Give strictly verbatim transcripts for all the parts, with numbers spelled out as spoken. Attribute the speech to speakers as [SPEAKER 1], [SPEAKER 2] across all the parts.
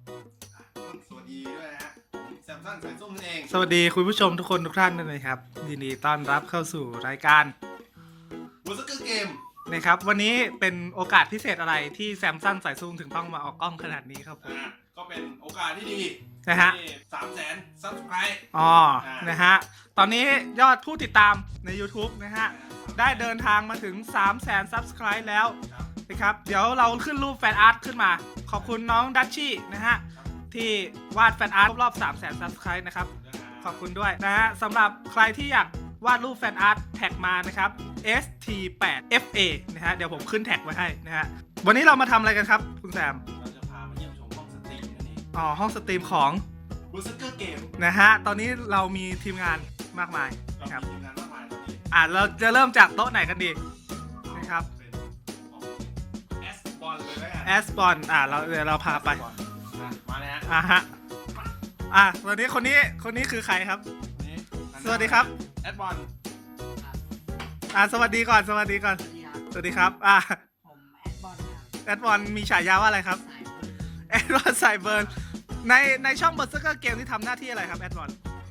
[SPEAKER 1] สวัสดีด้วยนะฮะผมแซมซันสายส้มนั่นเอง
[SPEAKER 2] สวัสดีคุณผู้ชมทุกคนทุกท่านด้วยนะครับยินดีต้อนรับเข้าสู่รายการ
[SPEAKER 1] บูสเกอร์เกม
[SPEAKER 2] นะครับวันนี้เป็นโอกาสพิเศษอะไรที่แซมซันสายซูมถึงต้องมาออกกล้องขนาดนี้ครับผม
[SPEAKER 1] อ่าก็เป็นโอกาสที่ดี
[SPEAKER 2] นะฮะ
[SPEAKER 1] ที่สามแสนซับสไครต์
[SPEAKER 2] อ๋อนะฮะตอนนี้ยอดผู้ติดตามใน YouTube นะฮะได้เดินทางมาถึง สามแสน Subscribe แล้วนะครับเดี๋ยวเราขึ้นรูปแฟนอาร์ตขึ้นมาขอบคุณน้องดัชชี่นะฮะที่วาดแฟนอาร์ตรอบ สามแสน Subscribe นะครับขอบคุณด้วยนะฮะสำหรับใครที่อยากวาดรูปแฟนอาร์ตแท็กมานะครับ เอส ที แปด เอฟ เอ นะฮะเดี๋ยวผมขึ้นแท็กไว้ให้นะฮะวันนี้เรามาทำอะไรกันครับคุณแซม
[SPEAKER 1] เราจะพามาเยี่ยมชมห้องสตรีมนั่นเอง
[SPEAKER 2] อ๋อห้องสตรีมของ
[SPEAKER 1] บูสเกอร์เกม
[SPEAKER 2] นะฮะตอนนี้เรามีทีมงานมากมาย
[SPEAKER 1] เรา
[SPEAKER 2] นะครับ
[SPEAKER 1] มีทีมงานมากมายตอนนี้
[SPEAKER 2] อ่ะเราจะเริ่มจากโต๊ะไหนกันดีนะครับ
[SPEAKER 1] เป็นของแอสบอลเลยแล้วกัน
[SPEAKER 2] แอสบอลอ่ะเราเดี๋ยวเราพาไป
[SPEAKER 1] อ่ะมาเลยฮะ
[SPEAKER 2] อ่ะฮะอ่ะวันนี้คนนี้คนนี้คือใครครับ
[SPEAKER 1] นี่
[SPEAKER 2] สวัสดีครับ
[SPEAKER 1] แอสบอล
[SPEAKER 2] อ่ะสวัสดีก่อนสวัสดีก่อน
[SPEAKER 3] สวัสดีครับ
[SPEAKER 2] สวัสดีครับอ่ะ
[SPEAKER 3] ผมแอดบอลครับ
[SPEAKER 2] แอดบอลมีฉายาว่าอะไรครับ
[SPEAKER 3] สายบุญ
[SPEAKER 2] แอดบอลใส่เบิร์นในในช่องเบอร์เซอร์เกมที่ทำหน้าที่อะไรครับแอดบอล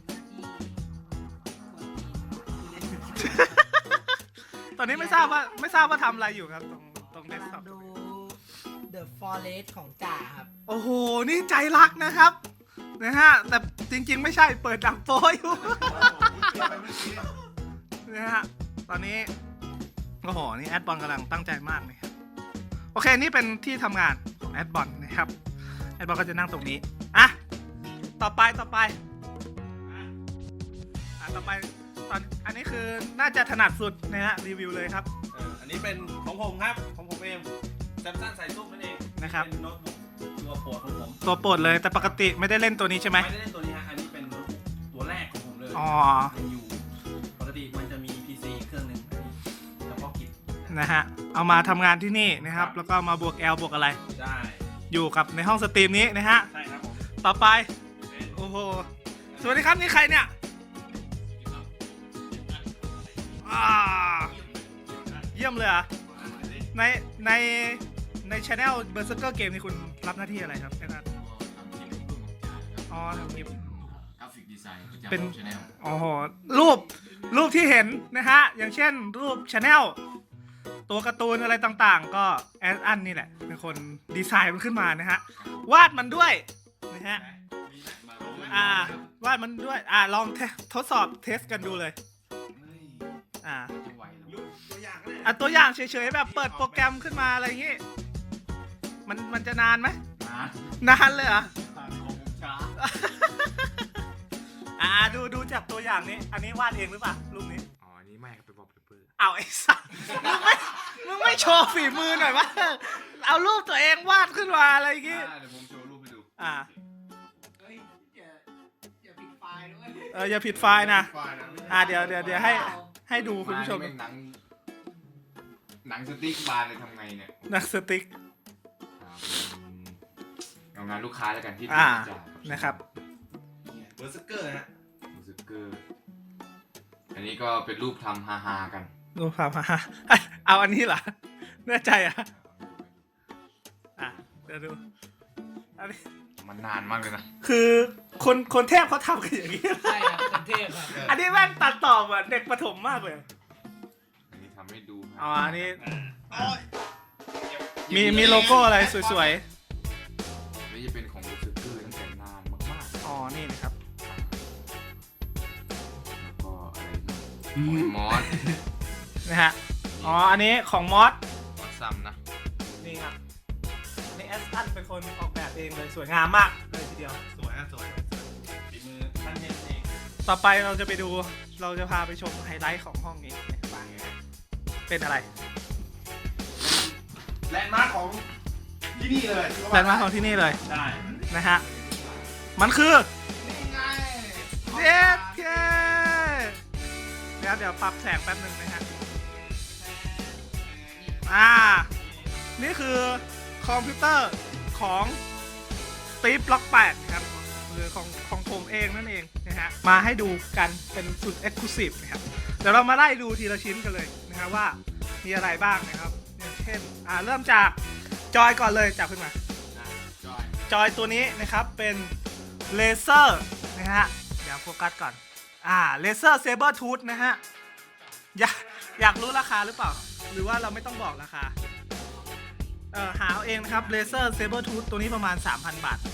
[SPEAKER 3] ที่คน
[SPEAKER 2] ตอนนี้ไม่ทราบว่าไม่ทราบว่าทำอะไรอยู่ครับตรงตรงเดสก์ท็อป
[SPEAKER 3] กำลังดู The Forest ของจ่าครับ
[SPEAKER 2] โอ้โหนี่ใจรักนะครับนะฮะแต่จริงๆไม่ใช่เปิดดังโป้อยู่ นะฮะตอนนี้โอ้โหนี่แอดบอลกำลังตั้งใจมากนะครับโอเคนี่เป็นที่ทำงานของแอดบอลนะครับแอดบอลก็จะนั่งตรงนี้อ่ะต่อไปต่อไปอ่ะต่อไปตอนอันนี้คือน่าจะถนัดสุดนะฮะรีวิวเลยครับ
[SPEAKER 1] เอออันนี้เป็นของผมครับของผมเองแซมซันสายส้มนั่นเอง
[SPEAKER 2] นะครับ
[SPEAKER 1] เป็นโน้ตบุ๊กตัวโปรดของผม
[SPEAKER 2] ตัวโปรดเลยแต่ปกติไม่ได้เล่นตัวนี้ใช่ไหม
[SPEAKER 1] ไม่ได้เล่นตัวนี้ฮะอันนี้เป็นโน้ตบุ๊กตัวแรกของผมเลย
[SPEAKER 2] อ๋อ
[SPEAKER 1] ยังอยู่ปกติมันจะมี พี ซี เครื่องหนึ่งอันนี้เฉพาะกิจ
[SPEAKER 2] นะฮะเอามาทำงานที่นี่นะครับแล้วก็มาบวก L บวกอะไร
[SPEAKER 1] ได้
[SPEAKER 2] อยู่กับในห้องสตรีมนี้นะฮะ
[SPEAKER 1] ใช่ครับผม
[SPEAKER 2] ต่อไป
[SPEAKER 1] เป็น
[SPEAKER 2] โอ้โหสวัสดีครับนี่ใครเนี่ยอ่าเยี่ยมเลยเหรอ่ะในในในช anel Berserker Game นี่คุณรับหน้าที่อะไรครับแค่นั้นอ๋อทำคลิป
[SPEAKER 4] กราฟิกดีไซน์ประจำ
[SPEAKER 2] เป็น
[SPEAKER 4] ชาแนล
[SPEAKER 2] โอ้โหรูปรูปที่เห็นนะฮะอย่างเช่นรูปช anel ตัวการ์ตูนอะไรต่างๆ ก็แอดอันนี่แหละเป็นคนดีไซน์มันขึ้นมานะฮะวาดมันด้วยนะฮะ
[SPEAKER 1] มีไหม
[SPEAKER 2] อ่าวาดมันด้วยอ่าลองเทสทดสอบเทสกันดูเลย
[SPEAKER 4] เฮ้ย
[SPEAKER 2] อ่า
[SPEAKER 4] จะไหวเหรอ
[SPEAKER 1] รูปตัวอย่างก็ได้
[SPEAKER 2] อ่ะตัวอย่างเฉยๆแบบเปิดโปรแกรมขึ้นมาอะไรอย่างงี้มันมันจะนานไหม
[SPEAKER 4] มาน
[SPEAKER 2] านเลยเหรอ
[SPEAKER 4] ของช้า
[SPEAKER 2] อ่าดูดูจากตัวอย่างนี้ อันนี้วาดเองหรือเปล่ารูปนี้
[SPEAKER 4] อ๋ออันนี้ไม่ครับเป็นบอบเปอร์
[SPEAKER 2] เอาไอ้สัสมึงไม่มึงไม่โชว์ฝีมือหน่อยวะเอารูปตัวเองวาดขึ้นมาอะไรอย่างงี้
[SPEAKER 4] เดี๋ยวผมโชว์รูปให้ดู
[SPEAKER 2] อ่า
[SPEAKER 3] เฮ้ยอย่าอย่าปิดไฟล์ด้วย
[SPEAKER 2] เอออย่าผิดไฟล์นะ
[SPEAKER 1] ไฟล์นะไม่ใช่
[SPEAKER 2] อ่าเดี๋ยวเดี๋ยวเดี๋ยวให้ให้ดูคุณผู้ชม
[SPEAKER 4] านี่แงหนังหนังสติ๊กบาร์เลยทำไงเนี่ย
[SPEAKER 2] นักสติ๊ก
[SPEAKER 4] ครับเอางานลูกค้าแล้วกันที่
[SPEAKER 2] อ่า
[SPEAKER 4] จ่าย
[SPEAKER 2] นะครับ
[SPEAKER 1] เบอร์สเกอร์ฮะ
[SPEAKER 4] รู้สึกเกอร์อันนี้ก็เป็นรูปทำฮาๆกัน
[SPEAKER 2] ดูความฮาเอาอันนี้เหรอแน่ใจอ่ะอ่ะเดี๋ยวดูอันนี้
[SPEAKER 4] มันนานมากเลยนะ
[SPEAKER 2] คือคนคนเทพเขาทำกันอย่างนี้
[SPEAKER 3] ใช่ครับเป็นเทพครับ
[SPEAKER 2] อันนี้แม่งตัดต่อเหมือนเด็กประถมมากเลย
[SPEAKER 4] อันนี้ทำให้ดู
[SPEAKER 2] อ๋อ อันนี้
[SPEAKER 1] โอ้ย
[SPEAKER 2] มีมีโลโก้อะไรสวย
[SPEAKER 4] นี่จะเป็นของรู้สึกเกอร์ตั้งแต่นานมาก
[SPEAKER 2] ๆ อ๋อ นี่นะครับ
[SPEAKER 4] ๆแล้วก็อะไรนะของมอส
[SPEAKER 2] นะฮะ อ๋อ อันนี้ของมอส
[SPEAKER 4] มอสซัมนะ
[SPEAKER 2] นี่ครับนี่แอสตันเป็นคนออกแบบเองเลยสวยงามมากเลยทีเดียว
[SPEAKER 1] สวยฮะสวยสวยฝีมือท่านเทพเอง
[SPEAKER 2] ต่อไปเราจะไปดู เราจะพาไปชมไฮไลท์ของห้องนี้นะครับเป็นอะไร
[SPEAKER 1] แลนด์มาร์คของที่นี่เลย
[SPEAKER 2] แลนด์มาร์คของที่นี่เลย
[SPEAKER 1] ได้
[SPEAKER 2] นะฮะ มันคือ
[SPEAKER 1] นี่ไง
[SPEAKER 2] เอสเคเดี๋ยวเดี๋ยวปรับแสงแป๊บหนึ่งนะฮะ อ่า นี่คือคอมพิวเตอร์ของสตีฟบล็อกแปดครับหรือของของผมเองนั่นเองนะฮะ มาให้ดูกันเป็นสุดเอ็กซ์คลูซีฟนะครับ เดี๋ยวเรามาไล่ดูทีละชิ้นกันเลยนะฮะว่ามีอะไรบ้างนะครับอย่างเช่น อ่า เริ่มจากจอยก่อนเลยจับขึ้นมา
[SPEAKER 4] จอย
[SPEAKER 2] จอยตัวนี้นะครับเป็นเลเซอร์นะฮะเดี๋ยวโฟกัสก่อนอ่าเลเซอร์เซเบอร์ทูธนะฮะอยากอยากรู้ราคาหรือเปล่าหรือว่าเราไม่ต้องบอกราคาเออหาเอาเองนะครับเลเซอร์เซเบอร์ทูธตัวนี้ประมาณ สามพัน บาท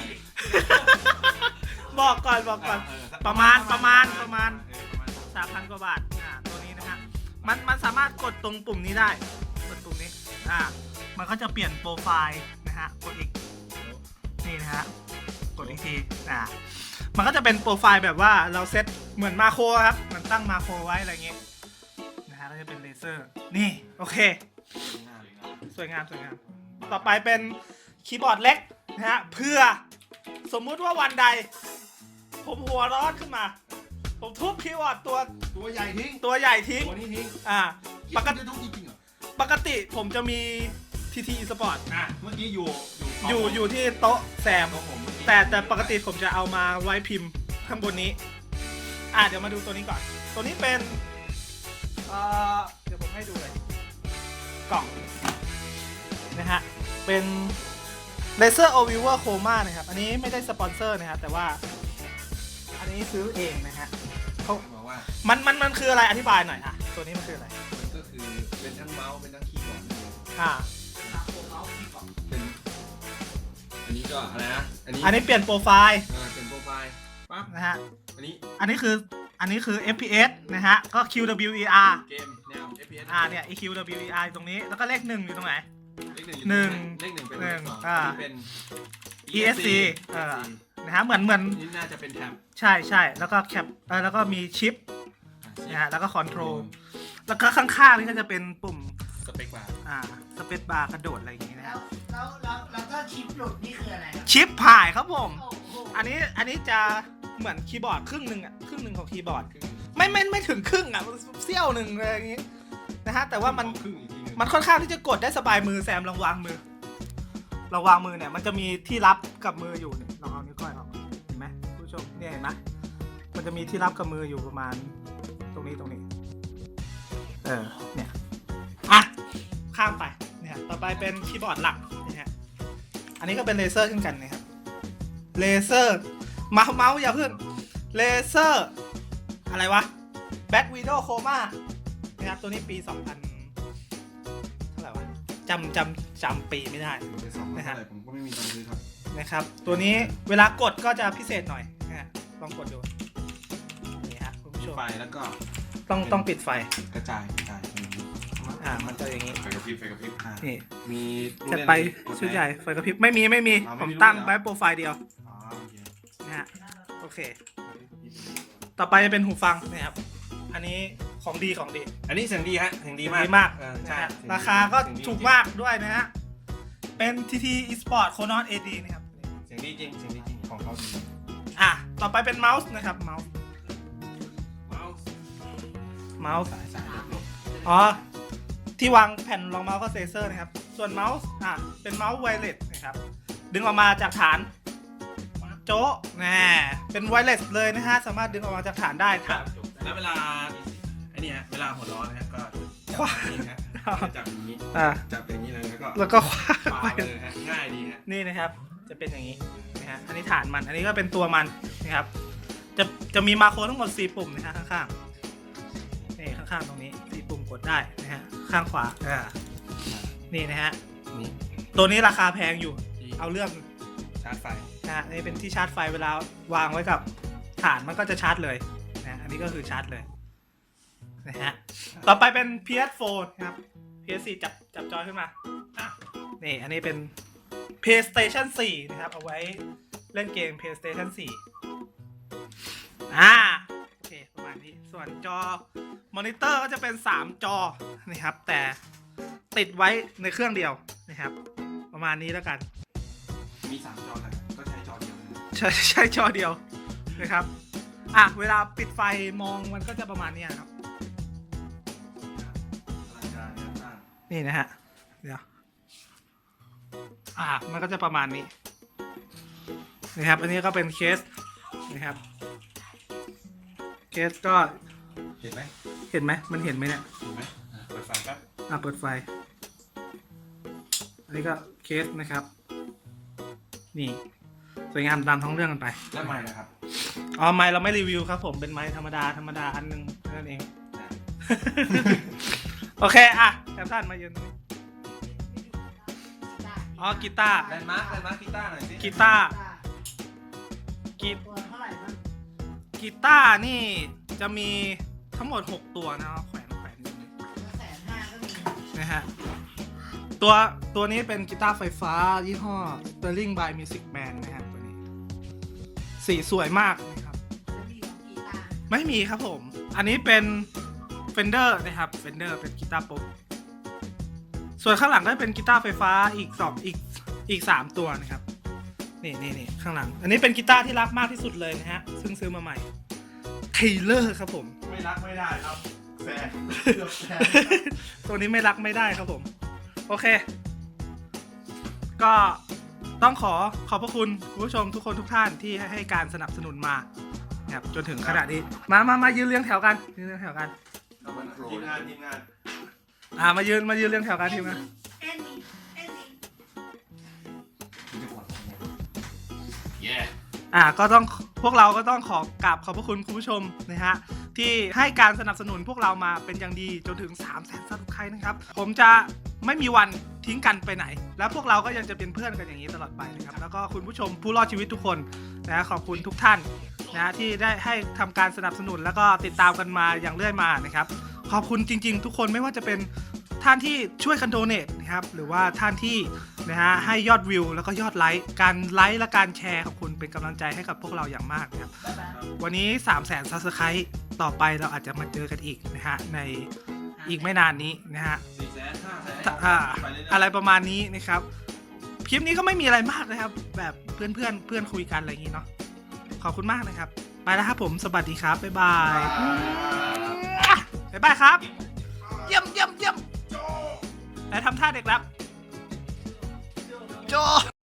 [SPEAKER 2] บอกก่อนบอกก่อนประมาณประมาณประมาณ สามพัน กว่าบาทอ่าตัวนี้นะฮะมันมันสามารถกดตรงปุ่มนี้ได้กดปุ่มนี้อ่ามันก็จะเปลี่ยนโปรไฟล์นะฮะกดอีกนี่นะฮะกดอีกทีอ่ามันก็จะเป็นโปรไฟล์แบบว่าเราเซตเหมือนมาโครครับมันตั้งมาโครไว้อะไรเงี้ยนะฮะก็จะเป็นเลเซอร์นี่โอเคสวยงามสวยงามต่อไปเป็นคีย์บอร์ดเล็กนะฮะเพื่อสมมุติว่าวันใดผมหัวร้อนขึ้นมาผมทุบคีย์บอร์ดตัว
[SPEAKER 3] ตัวใหญ่ทิ้ง
[SPEAKER 2] ตัวใหญ่ทิ้ง
[SPEAKER 3] ตัวนี้ทิ้ง
[SPEAKER 2] อ่าปก
[SPEAKER 3] ปก
[SPEAKER 2] ติ
[SPEAKER 3] ติทุกจริงๆเหรอ
[SPEAKER 2] ปกติผมจะมี ที ที Sport
[SPEAKER 3] อ่ะเมื่อกี้อยู่
[SPEAKER 2] อยู่อยู่ที่โต๊ะแซม
[SPEAKER 3] ของผมเมื่อกี้
[SPEAKER 2] แต่แต่ปกติผมจะเอามาไว้พิมพ์ข้างบนนี้ อ่ะเดี๋ยวมาดูตัวนี้ก่อน ตัวนี้เป็น เอ่อ เดี๋ยวผมให้ดูเลย กล่อง นะฮะ เป็น Laser o v i v e r Chroma นะครับ อันนี้ไม่ได้สปอนเซอร์นะครับ แต่ว่า อันนี้ซื้อเองนะฮะเขา
[SPEAKER 3] บอกว่า
[SPEAKER 2] มันมันมันคืออะไรอธิบายหน่อยอ่ะ ตัวนี้มันคืออะไร
[SPEAKER 3] มันก็คือเป็นทั้งเมาส์เป็นทั้งคีย์บอร์ด
[SPEAKER 2] อ่า
[SPEAKER 3] เป็นอันนี้ก็อะไรนะอันนี้
[SPEAKER 2] อันนี้เปลี่ยนโปรไฟล์
[SPEAKER 3] อ่าเป็นโปรไฟล์ปั๊บ
[SPEAKER 2] นะฮะ
[SPEAKER 3] อันนี้
[SPEAKER 2] อันนี้คือ อันนี้คือ เอฟ พี เอส นะฮะ ก็ คิว ดับเบิลยู อี อาร์
[SPEAKER 3] เกมแนว เอฟ พี เอส
[SPEAKER 2] อ่าเนี่ย คิว ดับเบิลยู อี อาร์ ตรงนี้ แล้วก็เลขหนึ่งอยู่ตรงไหน
[SPEAKER 3] เลขหนึ่ง
[SPEAKER 2] หนึ่ง
[SPEAKER 3] เลขหนึ่งเป็น
[SPEAKER 2] หนึ่ง
[SPEAKER 3] เลขสอง
[SPEAKER 2] อ่า
[SPEAKER 3] อันนี้เป็น
[SPEAKER 2] อี เอส ซี เออ นะฮะ เหมือนเหมือน
[SPEAKER 3] นี่น่าจะเป็นแท็บ
[SPEAKER 2] ใช่ใช่แล้วก็แคปเออแล้วก็มีชิป นะฮะ แล้วก็คอนโทรล แล้วก็ข้างๆนี่ก็จะเป็นปุ่ม
[SPEAKER 3] สเปคบาร์
[SPEAKER 2] อ่า สเปซบาร์กระโดดอะไรอย่างงี้นะ
[SPEAKER 5] แล้
[SPEAKER 2] ฮะ
[SPEAKER 5] วแล้วแล้วแล้วก็ชิปหลุดนี่คืออะไรครับ
[SPEAKER 2] ชิปผ่ายครับผม
[SPEAKER 5] โอ้โห
[SPEAKER 2] อันนี้ อันนี้จะเหมือนคีย์บอร์ดครึ่งหนึ่งอ่ะ ครึ่งหนึ่งของคีย์บอร์ด
[SPEAKER 3] ครึ่ง
[SPEAKER 2] ไม่ไม่ไม่ถึงครึ่งอ่ะเสี้ยวหนึ่งอะไรอย่างงี้ นะฮะ แต่ว่ามัน
[SPEAKER 3] ครึ่งอีกทีหนึง
[SPEAKER 2] มันค่อนข้างที่จะกดได้สบายมือแซมลองวางมือลองวางมือเนี่ยมันจะมีที่รับกับมืออยู่เนี่ยลองเอานิ้วก้อยออกเห็นไหมผู้ชมเนี่ยเห็นไหมมันจะมีที่รับกับมืออยู่ประมาณตรงนี้ตรงนี้เออเนี่ยอ่ะข้ามไปเนี่ยต่อไปเป็นคีย์บอร์ดหลักนะฮะอันนี้ก็เป็นเลเซอร์เช่นกันนะครับเลเซอร์เมาส์เมาส์อย่าเพิ่งเลเซอร์อะไรวะแบ็กวีดโอโคม่านะครับตัวนี้ปีสองพันเท่าไหร่วะจำจำจำปีไม่ได้
[SPEAKER 3] อยู่ในสองพันเท่าไหร่ผมก็ไม่มีตังค์ซื้อครับ
[SPEAKER 2] นะครับตัวนี้เวลากดก็จะพิเศษหน่อยนะฮะลองกดดูนี่ฮะคุณผู้ชม
[SPEAKER 3] ไฟแล้วก็
[SPEAKER 2] ต้องต้องปิดไฟ
[SPEAKER 3] กระจายกระจายอย่างนี้
[SPEAKER 2] อ่ามันจะอย่างนี้
[SPEAKER 4] ไฟกระพริบไฟกระพริบ
[SPEAKER 3] อ่า
[SPEAKER 2] นี่
[SPEAKER 3] มีลูก
[SPEAKER 2] จะ
[SPEAKER 3] เล่น
[SPEAKER 2] ไป
[SPEAKER 3] กด
[SPEAKER 2] ชุด
[SPEAKER 3] ไหน
[SPEAKER 2] ใหญ่ไฟกระพริบไม่มีไม่มี
[SPEAKER 3] อ๋อไม่
[SPEAKER 2] ผม
[SPEAKER 3] มี
[SPEAKER 2] ตั้ง
[SPEAKER 3] รูปเหรอ
[SPEAKER 2] ไว้โปรไฟล์เดียว
[SPEAKER 3] อ๋อโอเค
[SPEAKER 2] นะฮะโอเค ต่อไปจะเป็นหูฟังนะครับอันนี้ของดีของดี
[SPEAKER 3] อันนี้เสียงดีฮะเสียงดีมาก
[SPEAKER 2] ดีมาก
[SPEAKER 3] เออ
[SPEAKER 2] นะ
[SPEAKER 3] ใช่
[SPEAKER 2] ฮะ
[SPEAKER 3] เสียงดี
[SPEAKER 2] ราคาก็
[SPEAKER 3] เสียงดี
[SPEAKER 2] ถูกมากด้วยนะฮะเป็น ที ที Esport Chronos เอ ดี นะครับ
[SPEAKER 3] เสียงดีจริงเสียงดีจริงของเขาดี
[SPEAKER 2] อ่ะต่อไปเป็นเมาส์นะครับเมาส์
[SPEAKER 3] เมาส์
[SPEAKER 2] เมาส์
[SPEAKER 3] สายสายหลบ
[SPEAKER 2] อ๋อ ที่วางแผ่นรองเมาส์ก็เซเซอร์นะครับ ส่วนเมาส์ อ่ะ เป็นเมาส์ไวเลสนะครับ ดึงออกมาจากฐาน โจ๊ะแน่เป็นไวเลสเลยนะฮะ สามารถดึงออกมาจากฐานได้
[SPEAKER 3] ๆค
[SPEAKER 2] ค
[SPEAKER 3] รั
[SPEAKER 2] รั
[SPEAKER 3] บบ แล้วเวลาไอ้นี่ฮะเวลาหัวร้อนนะฮะก็
[SPEAKER 2] คว้า
[SPEAKER 3] จับอย่างนี้ฮะจับอย่างนี้
[SPEAKER 2] อ่ะ
[SPEAKER 3] จับอย่างนี้เลยแล้วก็
[SPEAKER 2] แล้วก็คว้า
[SPEAKER 3] ปา
[SPEAKER 2] ไป
[SPEAKER 3] ไปเลยฮะง่ายดีฮะ
[SPEAKER 2] นี่นะครับ จะเป็นอย่างนี้นะฮะ อันนี้ฐานมัน อันนี้ก็เป็นตัวมันนะครับ จะ จะมีมาโครทั้งหมดสี่ปุ่มนะฮะข้างๆ นี่ข้างๆตรงนี้สี่ปุ่มกดได้นะฮะ ข้างขวา อ่า นี่นะฮะ
[SPEAKER 3] นี่
[SPEAKER 2] ตัวนี้ราคาแพงอยู่
[SPEAKER 3] ที่
[SPEAKER 2] เอาเรื่อง
[SPEAKER 3] ชาร์จไฟ
[SPEAKER 2] นะฮะนี่เป็นที่ชาร์จไฟเวลาวางไว้กับฐานมันก็จะชาร์จเลยนะอันนี้ก็คือชาร์จเลยนะฮะต่อไปเป็น พี เอส โฟร์ นะครับ พี เอส โฟร์ จับจับจอยขึ้นมาอ่ะนี่อันนี้เป็น PlayStation โฟร์ นะครับเอาไว้เล่นเกม PlayStation โฟร์ อ่าโอเคประมาณนี้ส่วนจอมอนิเตอร์ก็จะเป็นสามจอนะครับแต่ติดไว้ในเครื่องเดียวนะครับประมาณนี้แล้วกัน
[SPEAKER 3] มีสามจอแต่ก็ใช้จอเดียวนะ
[SPEAKER 2] ใช่ใช่จอเดียวนะครับ อ่ะ เวลาปิดไฟมองมันก็จะประมาณเนี้ยครับ
[SPEAKER 3] อลังการงานสร้าง
[SPEAKER 2] นี่นะฮะ เดี๋ยว อ่ะ มันก็จะประมาณนี้นะครับ อันนี้ก็เป็นเคสนะครับ เคสก็
[SPEAKER 3] เห็นไหม
[SPEAKER 2] เห็นไหม มันเห็นไหมเนี่ย
[SPEAKER 3] เห็นไหมอ่ะเปิดไฟแป๊บ
[SPEAKER 2] อ่ะ เปิดไฟ อันนี้ก็เคสนะครับนี่สวยงามตามท้องเรื่องกันไป
[SPEAKER 1] แล้วใหม่นะครับ
[SPEAKER 2] อ๋อไม้เราไม่รีวิวครับผมเป็นไม้ธรรมดาธรรมดาอันหนึงแค่นั้นเอง โอเคอ่ะแอมท่านมายืนตรงนี้อ๋อกีตาร์
[SPEAKER 1] แลนด์มาร์คแลนด์มาร์คกีตาร์หน่อยสิ
[SPEAKER 2] กีตาร์กี
[SPEAKER 5] ตัวเท่าไหร่บ้าง
[SPEAKER 2] กีตาร์นี่จะมีทั้งหมดหกตัวนะครับแขวนแขวนอยู่นี่
[SPEAKER 5] แสนห้าก็มี
[SPEAKER 2] นะฮะตัวตัวนี้เป็นกีตาร์ไฟฟ้ายี่ห้อ Sterling by Music Man นะครับตัวนี้สีสวยมากนะครับ
[SPEAKER 5] จะมีของกีตาร์
[SPEAKER 2] ไม่มีครับผม อันนี้เป็น Fender นะครับ Fender เป็นกีตาร์ป๊อปส่วนข้างหลังก็เป็นกีตาร์ไฟฟ้าอีกสองอีกอีกสามตัวนะครับ นี่นี่นี่ข้างหลัง อันนี้เป็นกีตาร์ที่รักมากที่สุดเลยนะฮะ ซึ่งซื้อมาใหม่ Taylor ครับผม
[SPEAKER 1] ไม่รักไม่ได้ครับแฟนเกือบแฟน
[SPEAKER 2] ตัวนี้ไม่รักไม่ได้ครับผม โอเค ก็ต้องขอขอบพระคุณคุณผู้ชมทุกคนทุกท่านที่ให้ให้การสนับสนุนมานะครับจนถึงขนาดนี้ มามามายืนเรียงแถวกันยืนเรียงแถวกัน
[SPEAKER 1] ทีมงานทีมงาน
[SPEAKER 2] อ่ามายืนมายืนเรียงแถวกันทีมงาน
[SPEAKER 5] เอ็นนี่เอ็นนี่
[SPEAKER 4] เย้
[SPEAKER 2] อ่าก็ต้องพวกเราก็ต้องขอกราบขอบพระคุณคุณผู้ชมนะฮะที่ให้การสนับสนุนพวกเรามาเป็นอย่างดีจนถึง3 0 0 0 0 0ซับสไครต์นะครับผมจะไม่มีวันทิ้งกันไปไหน แล้วพวกเราก็ยังจะเป็นเพื่อนกันอย่างนี้ตลอดไปนะครับแล้วก็คุณผู้ชมผู้รอดชีวิตทุกคนนะขอบคุณทุกท่านนะที่ได้ให้ทำการสนับสนุนแล้วก็ติดตามกันมาอย่างเรื่อยมานะครับขอบคุณจริง ๆ ทุกคนไม่ว่าจะเป็นท่านที่ช่วยกันโดเนทนะครับหรือว่าท่านที่นะฮะให้ยอดวิวแล้วก็ยอดไลค์การไลค์และการแชร์ของคุณเป็นกำลังใจให้กับพวกเราอย่างมากนะครับวันนี้ สามแสน ซับสไครต์ต่อไปเราอาจจะมาเจอกันอีกนะฮะในอีกไม่นานนี้นะฮะ
[SPEAKER 1] สี่แสนห้าแสน
[SPEAKER 2] อ่า
[SPEAKER 1] ไปเรื่อยๆ
[SPEAKER 2] อะไรประมาณนี้นะครับคลิปนี้ก็ไม่มีอะไรมากนะครับ แบบเพื่อนเพื่อนเพื่อนคุยกันอะไรอย่างนี้เนาะขอบคุณมากนะครับไปแล้วครับผมสวัสดีครับบ๊ายบายบ๊ายบายครับเยี่ยมเยี่ยมเยี่ยมแล้วทำท่าเด็กแล้วโจ